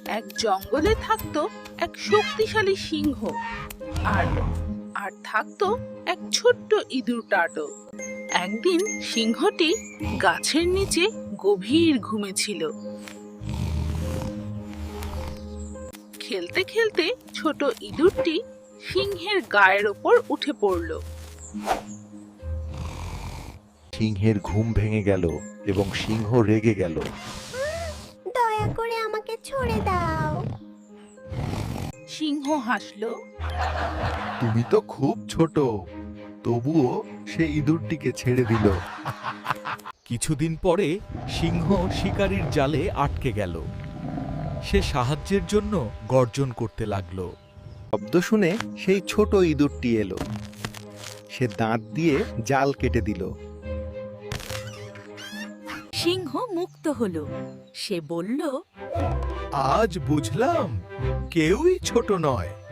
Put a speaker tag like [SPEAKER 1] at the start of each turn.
[SPEAKER 1] এক জঙ্গলে থাকতো এক শক্তিশালী সিংহ আর আর থাকতো এক ছোট্ট ইঁদুর টাটো। একদিন সিংহটি গাছের নিচে গভীর ঘুমেছিল। খেলতে খেলতে ছোট ইঁদুরটি সিংহের গায়ের ওপর উঠে পড়ল।
[SPEAKER 2] সিংহের ঘুম ভেঙে গেল এবং সিংহ রেগে গেল।
[SPEAKER 3] দয়া করে আমাকে ছেড়ে দাও।
[SPEAKER 1] সিংহ হাসলো।
[SPEAKER 2] তুমি তো খুব ছোট, তবুও সে ইঁদুরটিকে ছেড়ে দিল।
[SPEAKER 4] কিছুদিন পরে সিংহ শিকারীর জালে আটকে গেল। সে সাহায্যের জন্য গর্জন করতে লাগলো।
[SPEAKER 2] শব্দ শুনে সেই ছোট ইঁদুরটি এলো। সে দাঁত দিয়ে জাল কেটে দিল।
[SPEAKER 5] সিংহ মুক্ত হলো। সে বলল,
[SPEAKER 4] আজ বুঝলাম কেউই ছোট নয়।